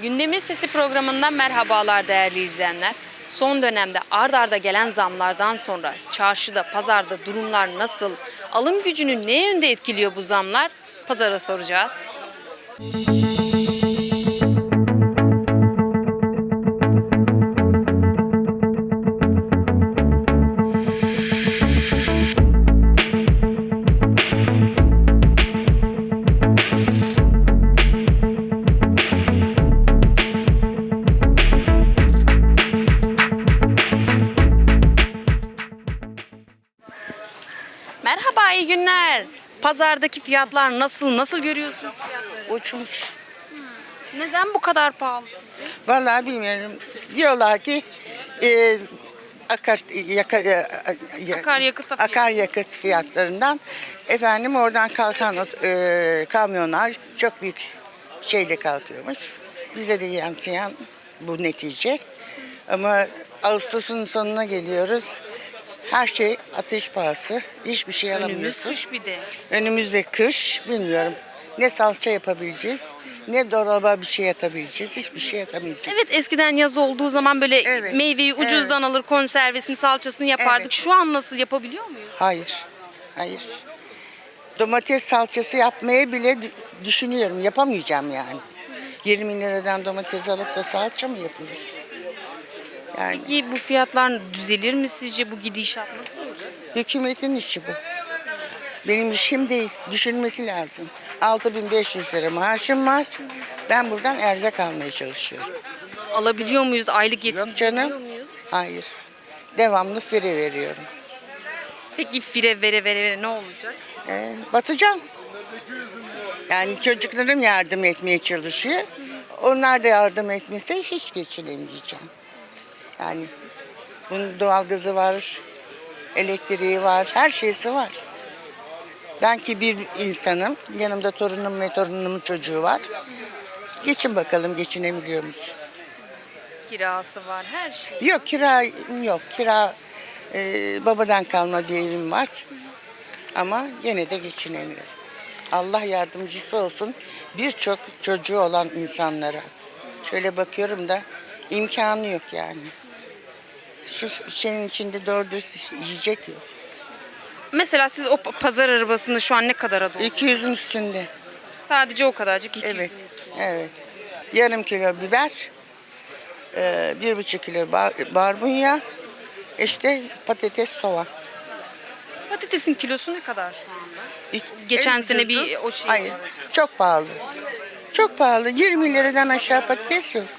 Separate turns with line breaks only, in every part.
Gündemin Sesi programından merhabalar değerli izleyenler. Son dönemde ard arda gelen zamlardan sonra çarşıda, pazarda durumlar nasıl? Alım gücünü ne yönde etkiliyor bu zamlar? Pazara soracağız. Merhaba, iyi günler. Pazardaki fiyatlar nasıl görüyorsunuz fiyatları?
Uçmuş.
Neden bu kadar pahalı?
Vallahi bilmiyorum. Diyorlar ki e, akar, yaka, akaryakıt fiyatlarından efendim oradan kalkan kamyonlar çok büyük şeyle kalkıyormuş. Bize de yansıyan bu netice. Ama Ağustos'un sonuna geliyoruz. Her şey ateş pahası. Hiçbir şey
Önümüz
alamıyorsun.
kış bir de.
Önümüzde kış, bilmiyorum. Ne salça yapabileceğiz, ne dolaba bir şey atabileceğiz, hiçbir şey atamayacağız.
Evet, eskiden yaz olduğu zaman böyle
Evet,
meyveyi ucuzdan alır, konservesini, salçasını yapardık.
Evet.
Şu an nasıl yapabiliyor muyuz?
Hayır, hayır. Domates salçası yapmayı bile düşünüyorum, yapamayacağım yani. 20 liradan domates alıp da salça mı yapılır? Yani
Peki bu fiyatlar düzelir mi sizce? Bu gidişat nasıl olacak?
hükümetin işi bu. Benim işim değil, düşünmesi lazım. 6.500 lira maaşım var. Ben buradan erzak almaya çalışıyorum.
Alabiliyor muyuz? Aylık
Yok
yetiştirebiliyor
canım.
muyuz?
Hayır. Devamlı fire veriyorum.
Peki fire vere ne olacak?
Batacağım. Yani çocuklarım yardım etmeye çalışıyor. Onlar da yardım etmese hiç geçinemeyeceğim. Yani bunun doğalgazı var, elektriği var, her şeysi var. Ben ki bir insanım, yanımda torunum ve torunumun çocuğu var. Geçin bakalım geçinebiliyor musun?
Kirası var, her şey.
Yok kira yok. Kira babadan kalma bir evim var. Ama gene de geçinemiyorum. Allah yardımcısı olsun birçok çocuğu olan insanlara. Şöyle bakıyorum da imkanı yok yani. Şu şeyin içinde doğru dürüst yiyecek yok.
Mesela siz o pazar arabasını şu an ne kadara doğru?
200'ün üstünde.
Sadece o kadarcık 200.
Evet. Evet. Yarım kilo biber, 1,5 kilo barbunya, işte patates, soğan.
Patatesin kilosu ne kadar şu anda? Geçen
En
sene
ucuzu-
bir o şey
Hayır,
var.
çok pahalı. Çok pahalı. 20 liradan aşağı patates yok.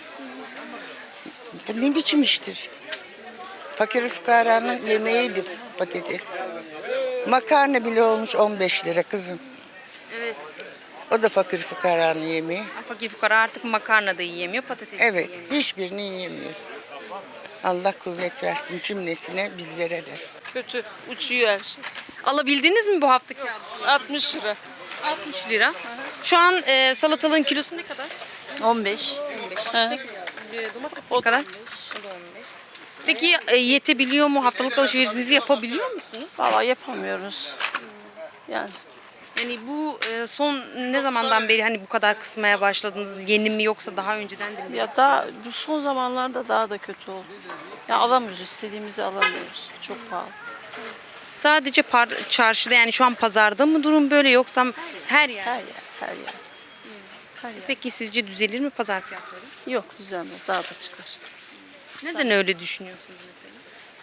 Bu ne biçim iştir? Fakir fukaranın yemeğidir patates. Makarna bile olmuş 15 lira kızım.
Evet.
O da fakir fukaranın yemeği.
Fakir fukara artık makarna da yiyemiyor, patates de
Evet,
yiyemiyor.
hiçbirini yiyemiyor. Allah kuvvet versin cümlesine, bizlere de.
Kötü. Uçuyor her şey.
Alabildiniz mi bu haftaki aldığınızı?
60 lira.
60 lira. Şu an salatalığın kilosu ne kadar?
15.
15.
Hı.
Peki domates ne kadar? O da 15. Peki yetebiliyor mu? Haftalık alışverişinizi yapabiliyor musunuz?
Valla yapamıyoruz. Yani
Yani bu son ne zamandan beri hani bu kadar kısmaya başladınız? Yeni mi yoksa daha önceden de mi?
ya daha bu son zamanlarda daha da kötü oldu. Ya alamıyoruz, istediğimizi alamıyoruz. Çok pahalı.
Sadece çarşıda yani şu an pazarda mı durum böyle yoksa her yer?
Her yer, her yer. Her yer.
Peki sizce düzelir mi pazar fiyatları?
Yok düzelmez, daha da çıkar.
Neden öyle düşünüyorsunuz mesela?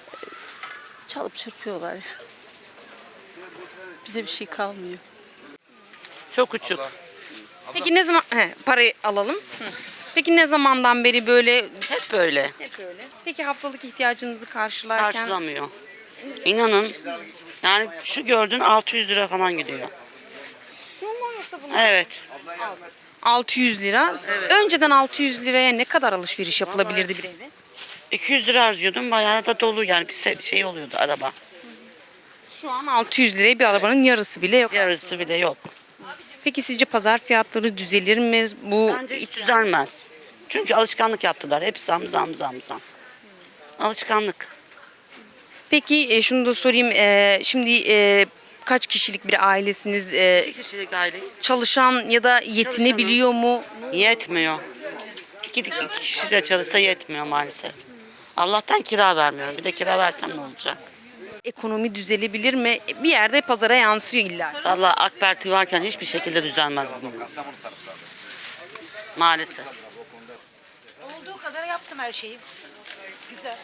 Çalıp çırpıyorlar ya. Bize bir şey kalmıyor.
Çok uçuk.
Peki ne zaman parayı alalım? Peki ne zamandan beri böyle
Hep böyle.
hep öyle? Peki haftalık ihtiyacınızı karşılarken
Karşılamıyor. İnanın yani şu gördüğün 600 lira falan gidiyor.
şu mu yoksa bunu?
Evet.
600 lira. Önceden 600 liraya ne kadar alışveriş yapılabilirdi bir eve?
200 lira harcıyordum. Bayağı da dolu yani bir şey oluyordu araba.
Şu an 600 liraya bir arabanın yarısı bile yok.
Yarısı bile yok.
Peki sizce pazar fiyatları düzelir mi? Bu
Bence hiç düzelmez. Çünkü alışkanlık yaptılar. Hep zam. Alışkanlık.
Peki şunu da sorayım. Şimdi kaç kişilik bir ailesiniz?
Bir kişilik aileyiz.
Çalışan ya da yetinebiliyor mu?
Yetmiyor. iki kişi de çalışsa yetmiyor maalesef. Allah'tan kira vermiyorum. Bir de kira versem ne olacak?
Ekonomi düzelebilir mi? Bir yerde pazara yansıyor illa.
Vallahi AK Parti varken hiçbir şekilde düzelmez bu. Maalesef.
Olduğu kadar yaptım her şeyi. Güzel.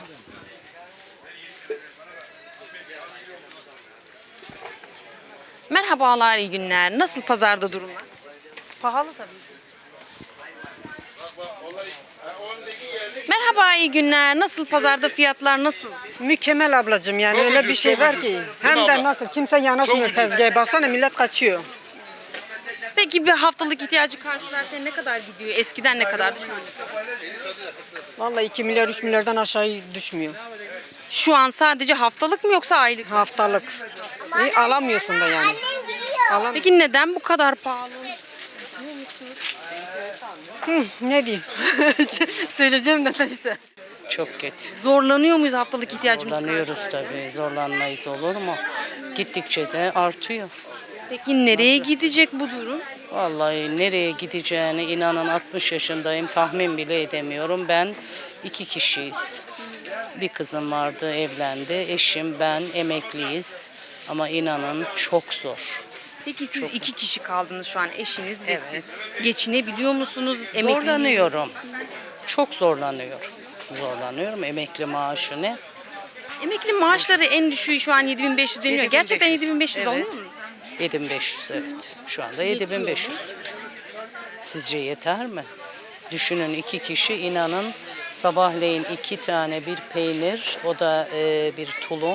Merhabalar, iyi günler. Nasıl pazarda durumlar?
Pahalı tabii.
Merhaba, iyi günler. Nasıl pazarda fiyatlar nasıl?
Mükemmel ablacığım yani
Çok
öyle
ucuz,
bir şey
çok
var
ucuz.
ki.
Değil mi
Hem de
abla?
nasıl kimse yanaşmıyor
Çok ucuz.
tezgaha. Baksana millet kaçıyor.
Peki bir haftalık ihtiyacı karşılarken ne kadar gidiyor? Eskiden ne kadardı şu an?
Vallahi 2 milyar 3 milyardan aşağı düşmüyor.
Şu an sadece haftalık mı yoksa aylık?
Haftalık. Alamıyorsun da yani.
Peki neden bu kadar pahalı?
Ne diyeyim? Söyleyeceğim de neyse.
Çok kötü.
Zorlanıyor muyuz haftalık ihtiyacımızı
Zorlanıyoruz
karşılarken?
tabii. Zorlanmayız olur mu? Gittikçe de artıyor.
Peki nereye gidecek bu durum?
Vallahi nereye gideceğini inanın 60 yaşındayım. Tahmin bile edemiyorum. Ben 2 kişiyiz. Bir kızım vardı, evlendi. Eşim, ben emekliyiz. Ama inanın çok zor.
Peki siz 2 kişi kaldınız şu an eşiniz ve siz. Geçinebiliyor musunuz? Emekli
Zorlanıyorum. Çok zorlanıyorum. Zorlanıyorum. Emekli maaşı ne?
Emekli maaşları en düşüğü şu an 7500 deniliyor.
7500.
Gerçekten 7500
Evet.
alınıyor mu?
7500 evet. Şu anda 7500. Sizce yeter mi? Düşünün 2 kişi inanın sabahleyin 2 tane bir peynir, o da bir tulum,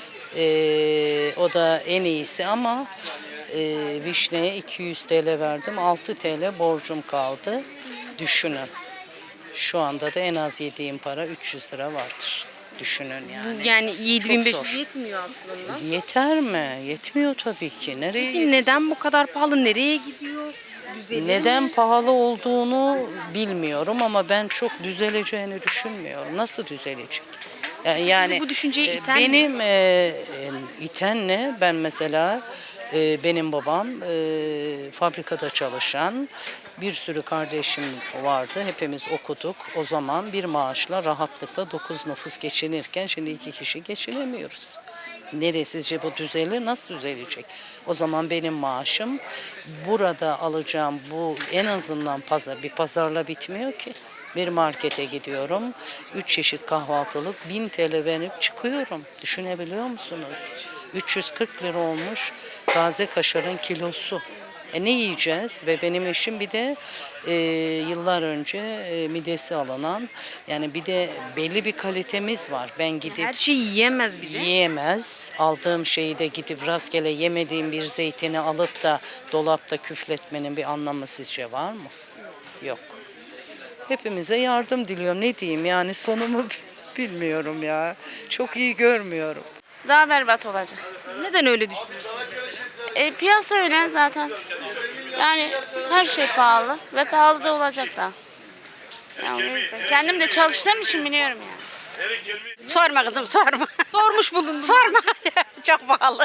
o da en iyisi ama vişneye 200 TL verdim, 6 TL borcum kaldı. Düşünün. Şu anda da en az yediğim para 300 lira vardır. Düşünün yani.
Yani
zor.
7500 yetmiyor aslında.
Yeter mi? Yetmiyor tabii ki. Nereye
Peki neden bu kadar pahalı? Nereye gidiyor? Düzelir
Neden
mi?
pahalı olduğunu bilmiyorum ama ben çok düzeleceğini düşünmüyorum. Nasıl düzelecek? Yani
bu düşünceyi iten mi?
benim iten ne? Ben mesela benim babam fabrikada çalışan bir sürü kardeşim vardı. Hepimiz okuduk. O zaman bir maaşla rahatlıkla 9 nüfus geçinirken şimdi 2 kişi geçinemiyoruz. Nereye sizce bu düzelir? Nasıl düzelecek? O zaman benim maaşım burada alacağım bu en azından bir pazarla bitmiyor ki. Bir markete gidiyorum. 3 çeşit kahvaltılık 1000 TL verip çıkıyorum. Düşünebiliyor musunuz? 340 lira olmuş taze kaşarın kilosu. Ne yiyeceğiz? Ve benim eşim bir de yıllar önce midesi alınan, yani bir de belli bir kalitemiz var. Ben gidip
Her şeyi yiyemez bir de.
yiyemez. Aldığım şeyi de gidip rastgele yemediğim bir zeytini alıp da dolapta küfletmenin bir anlamı sizce var mı? Yok. Hepimize yardım diliyorum. Ne diyeyim yani sonumu bilmiyorum ya. Çok iyi görmüyorum.
Daha berbat olacak.
Neden öyle düşünüyorsun?
Piyasa öyle zaten. Yani her şey pahalı ve pahalı da olacak da. Yani o yüzden. Kendim de çalıştığım için biliyorum yani.
Sorma kızım sorma.
Sormuş bulundum.
Sorma. Çok pahalı.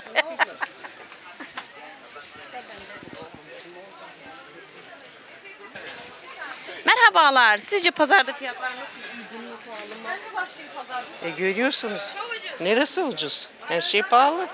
Merhabalar. Sizce pazarda fiyatlar nasıl? Uygun mu, pahalı mı?
Görüyorsunuz. Neresi ucuz? Her şey pahalı.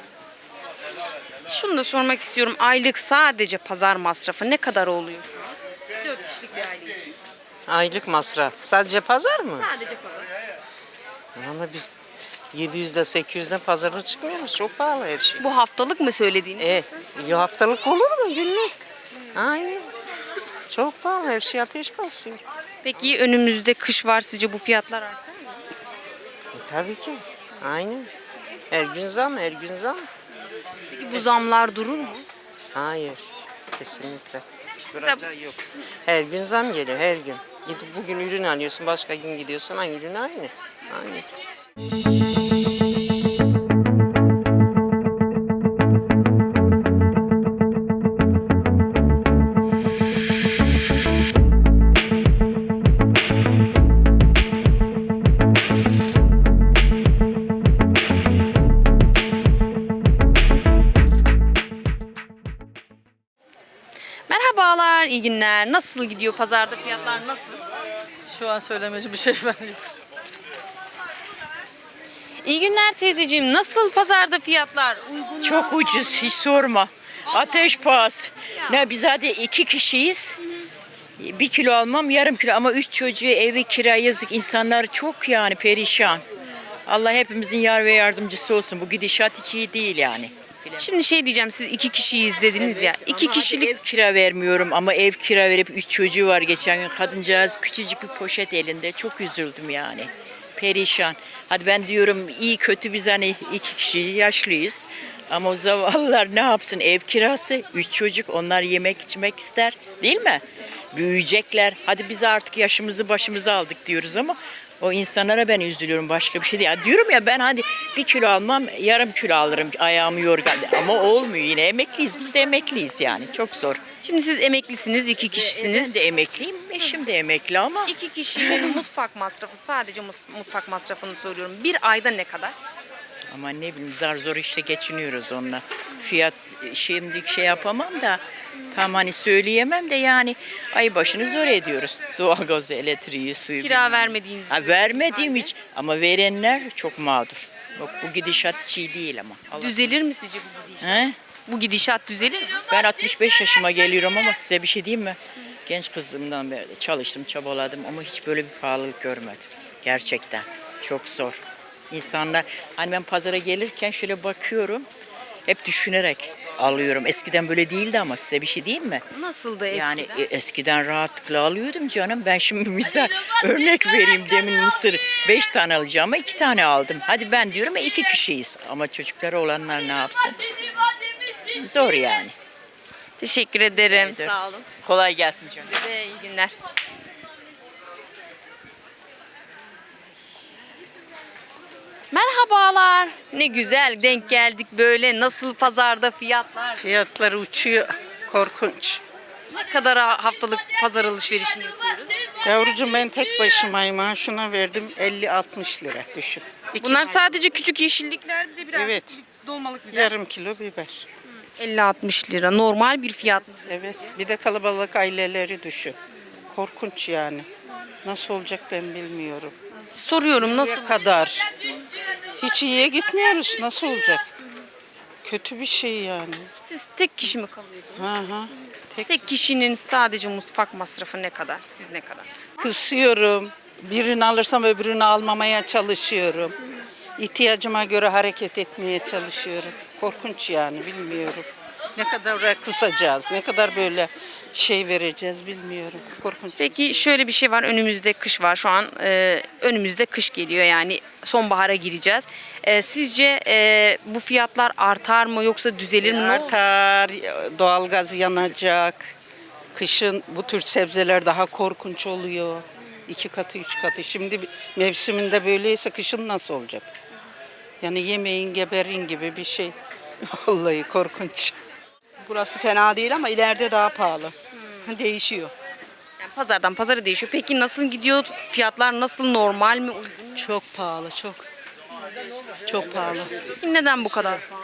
Şunu da sormak istiyorum. Aylık sadece pazar masrafı ne kadar oluyor şu an? 4 kişilik bir aile için.
Aylık masraf. Sadece pazar mı?
Sadece pazar.
Ama biz 700'de 800'de pazara çıkmıyoruz. Çok pahalı her şey.
Bu haftalık mı söylediğiniz?
Haftalık olur mu? Günlük. Aynen. Çok pahalı. Her şey ateş basıyor.
Peki önümüzde kış var. Sizce bu fiyatlar artar mı?
Tabii ki. Aynen. Her gün zam, her gün zam.
Peki bu zamlar durur mu?
Hayır. Kesinlikle. Duracağı yok. Her gün zam geliyor, her gün. Gidip bugün ürün alıyorsun, başka gün gidiyorsun, aynı ürün aynı. Aynı.
Merhabalar. Merhabalar, iyi günler. Nasıl gidiyor pazarda, fiyatlar nasıl?
Şu an söylemeci bir şey var.
İyi günler teyzeciğim. Nasıl pazarda fiyatlar? Uygun mu?
Çok ucuz, hiç sorma. Ateş pahası. Ne biz hadi 2 kişiyiz. 1 kilo almam, yarım kilo ama 3 çocuğu, evi kira, yazık, insanlar çok yani perişan. Allah hepimizin yar ve yardımcısı olsun. Bu gidişat hiç iyi değil yani.
Şimdi şey diyeceğim, siz 2 kişiyiz dediniz ya. 2
Ama
kişilik
hadi ev kira vermiyorum ama ev kira verip 3 çocuğu var geçen gün. Kadıncağız küçücük bir poşet elinde. Çok üzüldüm yani. Perişan. Hadi ben diyorum iyi kötü biz hani 2 kişi yaşlıyız. Ama o zavallılar ne yapsın? Ev kirası, 3 çocuk, onlar yemek içmek ister değil mi? Büyüyecekler. Hadi biz artık yaşımızı başımıza aldık diyoruz ama o insanlara ben üzülüyorum, başka bir şey değil. Ya diyorum ya ben hadi 1 kilo almam, yarım kilo alırım, ayağımı yorgan. Ama olmuyor, yine emekliyiz, biz de emekliyiz yani, çok zor.
Şimdi siz emeklisiniz, 2 kişisiniz.
Ben de emekliyim, eşim de emekli ama
2 kişinin mutfak masrafı, sadece mutfak masrafını soruyorum. Bir ayda ne kadar?
ama ne bileyim zar zor işte geçiniyoruz onunla. Fiyat şimdi şey yapamam da tam hani söyleyemem de yani ay başını zor ediyoruz. Doğalgazı, elektriği, suyu.
Kira vermediğiniz
Ha, vermediğim hiç ama verenler çok mağdur. Yok, bu gidişat hiç iyi değil ama. Allah.
Düzelir mi sizce bu gidişat?
He?
Bu gidişat düzelir mi?
Ben 65 yaşıma geliyorum ama size bir şey diyeyim mi? Genç kızımdan beri çalıştım, çabaladım ama hiç böyle bir pahalılık görmedim. Gerçekten çok zor. İnsanlar, hani ben pazara gelirken şöyle bakıyorum, hep düşünerek alıyorum. Eskiden böyle değildi ama size bir şey diyeyim mi?
Nasıldı eskiden?
Yani eskiden rahatlıkla alıyordum canım. Ben şimdi misal örnek vereyim, demin mısır 5 tane alacağım ama 2 tane aldım. Hadi ben diyorum ya 2 kişiyiz ama çocukları olanlar ne yapsın? Zor yani.
Teşekkür ederim.
ederim.
Sağ olun.
Kolay gelsin canım.
Size de iyi günler. Merhabalar. Ne güzel denk geldik böyle. Nasıl pazarda fiyatlar?
Fiyatlar uçuyor. Korkunç.
Ne kadar haftalık pazar alışverişini yapıyoruz?
Yavrucuğum ben tek başımayım ha. Şuna verdim 50-60 lira düşün.
Bunlar sadece küçük yeşillikler, bir de biraz
Evet.
dolmalık biber.
Yarım kilo biber.
50-60 lira. Normal bir fiyat mı?
Evet. Bir de kalabalık aileleri düşün. Korkunç yani. Nasıl olacak ben bilmiyorum.
Soruyorum nasıl?
Ne kadar? Hiç iyiye gitmiyoruz. Nasıl olacak? Kötü bir şey yani.
Siz tek kişi mi kalıyordunuz?
Hı hı.
Tek kişinin sadece mutfak masrafı ne kadar? Siz ne kadar?
Kısıyorum. Birini alırsam öbürünü almamaya çalışıyorum. İhtiyacıma göre hareket etmeye çalışıyorum. Korkunç yani bilmiyorum. Ne kadar kısacağız, ne kadar böyle şey vereceğiz bilmiyorum. Korkunç.
Peki şöyle bir şey var. Önümüzde kış var. Şu an önümüzde kış geliyor. Yani sonbahara gireceğiz. Sizce bu fiyatlar artar mı yoksa düzelir mi? Ne olur?
Artar, doğalgaz yanacak. Kışın bu tür sebzeler daha korkunç oluyor. 2 katı, 3 katı. Şimdi mevsiminde böyleyse kışın nasıl olacak? Yani yemeğin geberin gibi bir şey. Vallahi korkunç.
Burası fena değil ama ileride daha pahalı. Değişiyor.
Yani pazardan pazara değişiyor. Peki nasıl gidiyor? Fiyatlar nasıl? Normal mi? Uygun mu?
Çok pahalı, çok. Çok pahalı.
Peki neden bu kadar pahalı?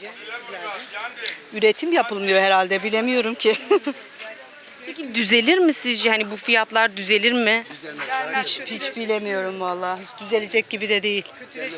Üretim yapılmıyor herhalde, bilemiyorum ki.
Peki düzelir mi sizce? Hani bu fiyatlar düzelir mi?
hiç bilemiyorum vallahi. Hiç düzelecek gibi de değil.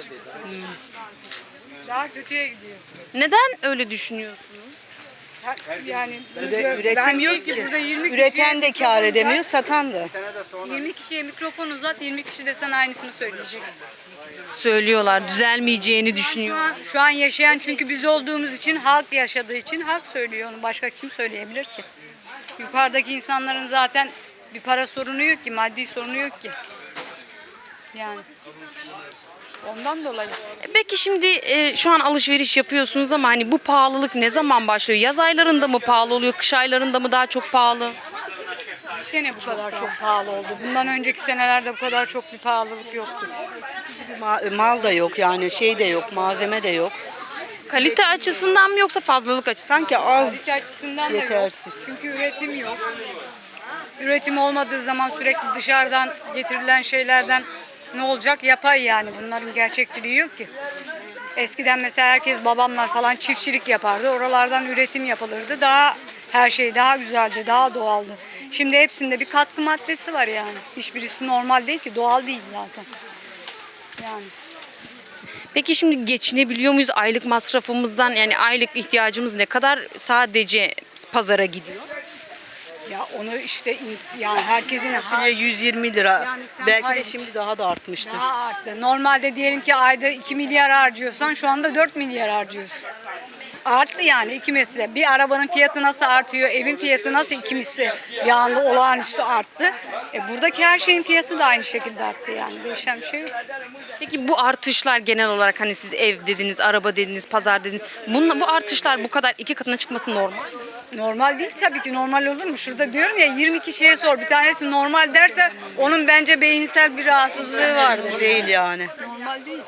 Daha kötüye gidiyor.
Neden öyle düşünüyorsunuz?
Yani
Üretim yok ki.
burada 20
Üreten de kâr edemiyor, satan da.
20 kişiye mikrofon uzat, 20 kişi de sana aynısını söyleyecek.
Söylüyorlar düzelmeyeceğini düşünüyor.
Şu an yaşayan çünkü biz olduğumuz için, halk yaşadığı için halk söylüyor onu. Başka kim söyleyebilir ki? Yukarıdaki insanların zaten bir para sorunu yok ki, maddi sorunu yok ki. Yani ondan dolayı.
Peki şimdi şu an alışveriş yapıyorsunuz ama hani bu pahalılık ne zaman başlıyor? Yaz aylarında mı pahalı oluyor? Kış aylarında mı daha çok pahalı?
Bu sene bu kadar çok pahalı oldu. Bundan önceki senelerde bu kadar çok bir pahalılık yoktu.
Mal da yok yani, şey de yok, malzeme de yok.
Kalite açısından mı yoksa fazlalık açısından?
Sanki az,
Kalite açısından da yok.
yetersiz.
Çünkü üretim yok. Üretim olmadığı zaman sürekli dışarıdan getirilen şeylerden ne olacak? Yapay yani. Bunların gerçekçiliği yok ki. Eskiden mesela herkes babamlar falan çiftçilik yapardı. Oralardan üretim yapılırdı. Daha Her şey daha güzeldi, daha doğaldı. Şimdi hepsinde bir katkı maddesi var yani. Hiçbirisi normal değil ki, doğal değil zaten. Yani.
Peki şimdi geçinebiliyor muyuz aylık masrafımızdan? Yani aylık ihtiyacımız ne kadar sadece pazara gidiyor?
Ya onu işte yani herkesin
Fasulye 120 lira.
Yani sen
Belki de
hayır.
şimdi daha da artmıştır.
daha arttı. Normalde diyelim ki ayda 2 milyar harcıyorsan şu anda 4 milyar harcıyorsun. Arttı yani iki misli. Bir arabanın fiyatı nasıl artıyor, evin fiyatı nasıl iki misli bir anda olağanüstü arttı. Buradaki her şeyin fiyatı da aynı şekilde arttı yani. Değişen bir şey yok.
Peki bu artışlar genel olarak hani siz ev dediniz, araba dediniz, pazar dediniz. Bu artışlar bu kadar iki katına çıkması normal mi?
Normal değil tabii ki, normal olur mu? Şurada diyorum ya 20 kişiye sor, bir tanesi normal derse onun bence beyinsel bir rahatsızlığı vardır.
Değil yani.
Normal değil.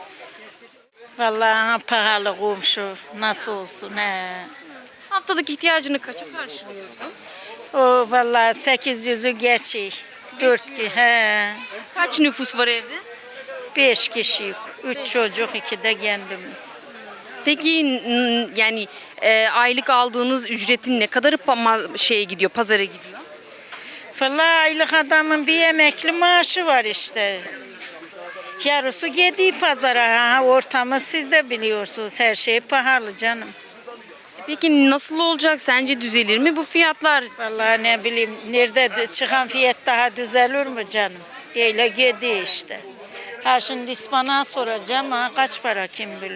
Vallahi pahalı komşu. Nasıl olsun he.
Haftalık ihtiyacını kaça karşılıyorsun?
O vallahi 800'ü geçiyor. 4 ki he.
Kaç nüfus var evde?
5 kişi. 3 çocuk, 2 de kendimiz.
Peki yani aylık aldığınız ücretin ne kadarı şeye gidiyor, pazara gidiyor?
Vallahi aylık adamın bir emekli maaşı var işte. Yarısı gidiyor pazara. Ha, ortamı siz de biliyorsunuz. Her şey pahalı canım.
Peki nasıl olacak? Sence düzelir mi bu fiyatlar?
Vallahi ne bileyim, nerede çıkan fiyat daha düzelir mi canım? Öyle gidiyor işte. Ha şimdi ıspanağı soracağım, ha kaç para kim bilir.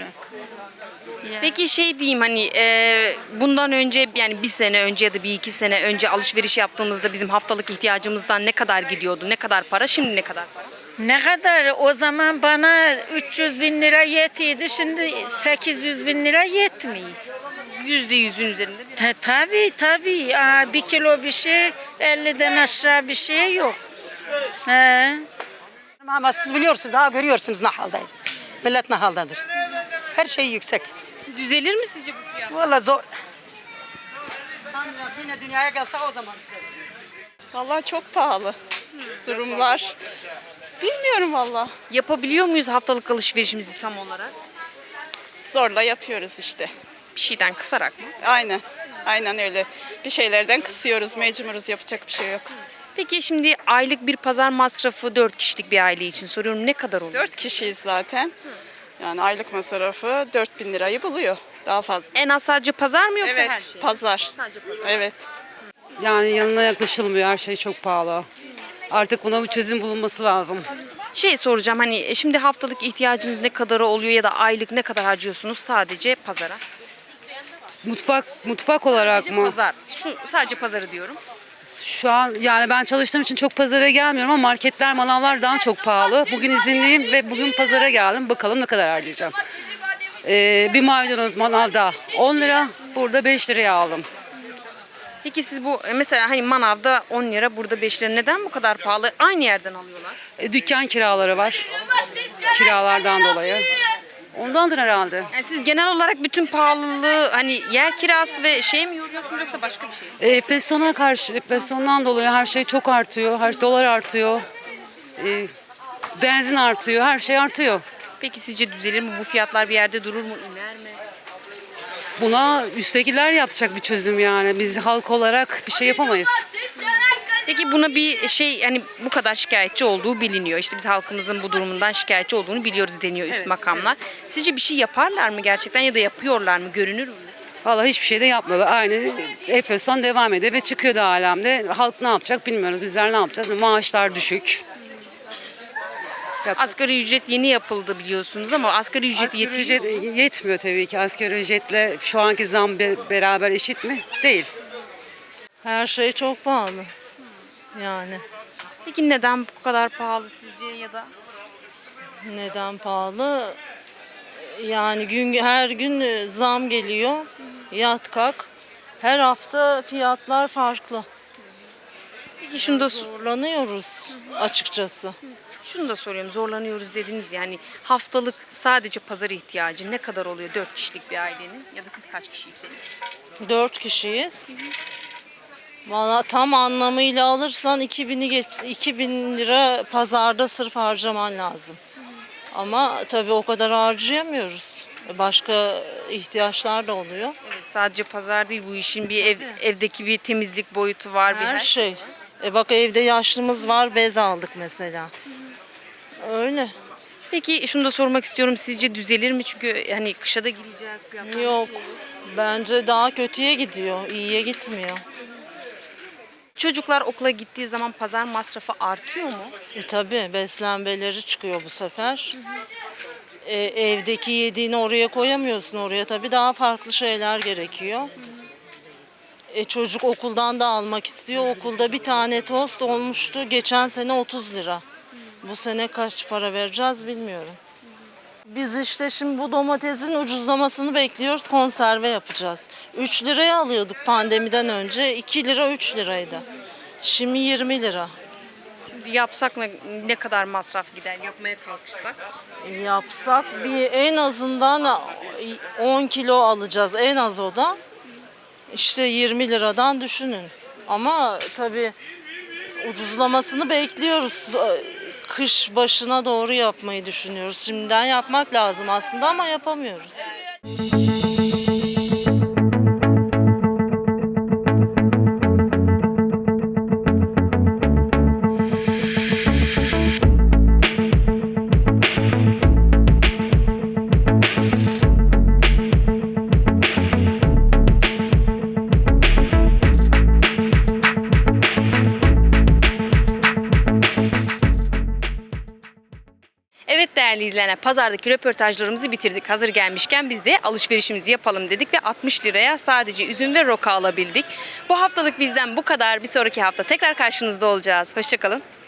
Peki şey diyeyim hani bundan önce yani bir sene önce ya da bir iki sene önce alışveriş yaptığımızda bizim haftalık ihtiyacımızdan ne kadar gidiyordu? Ne kadar para? Şimdi ne kadar para?
Ne kadar? O zaman bana 300 bin lira yetiyordu, şimdi 800 bin lira yetmiyor.
%100'ün üzerinde bir.
Tabii. Aa, 1 kilo bir şey 50'den aşağı bir şey yok. He.
Ama siz biliyorsunuz, daha görüyorsunuz ne haldeyiz. Millet ne haldedir. Her şey yüksek.
Düzelir mi sizce bu fiyat?
Vallahi zor. Yine dünyaya gelse o zaman.
Vallahi çok pahalı durumlar. Bilmiyorum vallahi.
Yapabiliyor muyuz haftalık alışverişimizi tam olarak?
Zorla yapıyoruz işte.
Bir şeyden kısarak mı?
Aynen öyle. Bir şeylerden kısıyoruz, mecburuz, yapacak bir şey yok.
Peki şimdi aylık bir pazar masrafı 4 kişilik bir aile için soruyorum ne kadar oluyor?
4 kişiyiz zaten. Yani aylık masrafı 4.000 lirayı buluyor. Daha fazla.
En az sadece pazar mı yoksa her
Evet,
şey?
pazar.
Sadece pazar.
Evet.
Yani yanına yaklaşılmıyor. Her şey çok pahalı. Artık buna bir çözüm bulunması lazım.
Şey soracağım hani şimdi haftalık ihtiyacınız ne kadar oluyor ya da aylık ne kadar harcıyorsunuz sadece pazara?
Mutfak olarak
Sadece
mı?
pazar. Sadece pazarı diyorum.
Şu an yani ben çalıştığım için çok pazara gelmiyorum ama marketler, manavlar daha çok pahalı. Bugün izinliyim ve bugün pazara geldim. Bakalım ne kadar harcayacağım. Bir maydanoz manavda 10 lira, burada 5 liraya aldım.
Peki siz bu mesela hani manavda 10 lira burada 5 lira neden bu kadar pahalı? Aynı yerden alıyorlar.
Dükkan kiraları var. Kiralardan dolayı. Ondandır herhalde.
Yani siz genel olarak bütün pahalılığı hani yer kirası ve şey mi yoruyorsunuz yoksa başka bir şey mi?
Enflasyondan dolayı her şey çok artıyor. Her dolar artıyor. Benzin artıyor. Her şey artıyor.
Peki sizce düzelir mi? Bu fiyatlar bir yerde durur mu? İner mi?
Buna üsttekiler yapacak bir çözüm yani. Biz halk olarak bir şey yapamayız.
Peki buna bir şey hani bu kadar şikayetçi olduğu biliniyor. İşte biz halkımızın bu durumundan şikayetçi olduğunu biliyoruz deniyor üst makamlar. Sizce bir şey yaparlar mı gerçekten ya da yapıyorlar mı? Görünür mü?
Vallahi hiçbir şey de yapmıyorlar. Aynı enflasyon devam ediyor ve çıkıyor da alemde. Halk ne yapacak bilmiyoruz. Bizler ne yapacağız? Maaşlar düşük.
Asgari ücret yeni yapıldı biliyorsunuz ama asgari ücret
Asgari
yetiyor mu?
ücret yetmiyor tabii ki. Asgari ücretle şu anki zam beraber eşit mi? Değil.
Her şey çok pahalı. Yani
Peki neden bu kadar pahalı sizce ya da?
neden pahalı? Yani her gün zam geliyor. Yat kalk. Her hafta fiyatlar farklı.
Peki şunu da
Zorlanıyoruz açıkçası.
şunu da soruyorum. Zorlanıyoruz dediniz yani haftalık sadece pazar ihtiyacı ne kadar oluyor 4 kişilik bir ailenin ya da siz kaç kişiyseniz?
4 kişiyiz. Valla tam anlamıyla alırsan 2000 lira pazarda sırf harcaman lazım. Ama tabii o kadar harcayamıyoruz. Başka ihtiyaçlar da oluyor.
Evet, sadece pazar değil bu işin bir evdeki bir temizlik boyutu var.
Her şey. Bak evde yaşlımız var, bez aldık mesela. Öyle.
Peki şunu da sormak istiyorum. Sizce düzelir mi? Çünkü hani kışa da gireceğiz. Fiyatlar
Yok.
nasıl olur?
Bence daha kötüye gidiyor, iyiye gitmiyor.
Çocuklar okula gittiği zaman pazar masrafı artıyor mu?
Tabii beslenmeleri çıkıyor bu sefer. Evdeki yediğini oraya koyamıyorsun. Oraya tabii daha farklı şeyler gerekiyor. Çocuk okuldan da almak istiyor. Okulda bir tane tost olmuştu. Geçen sene 30 lira. Bu sene kaç para vereceğiz bilmiyorum. Biz işte şimdi bu domatesin ucuzlamasını bekliyoruz. Konserve yapacağız. 3 liraya alıyorduk pandemiden önce. 2 lira 3 liraydı. Şimdi 20 lira.
Şimdi yapsak ne kadar masraf gider yapmaya kalkışsak?
Yapsak bir en azından 10 kilo alacağız. En az o da. İşte 20 liradan düşünün. Ama tabii ucuzlamasını bekliyoruz. Kış başına doğru yapmayı düşünüyoruz. Şimdiden yapmak lazım aslında ama yapamıyoruz.
Evet değerli izleyenler, pazardaki röportajlarımızı bitirdik. Hazır gelmişken biz de alışverişimizi yapalım dedik ve 60 liraya sadece üzüm ve roka alabildik. Bu haftalık bizden bu kadar. Bir sonraki hafta tekrar karşınızda olacağız. Hoşça kalın.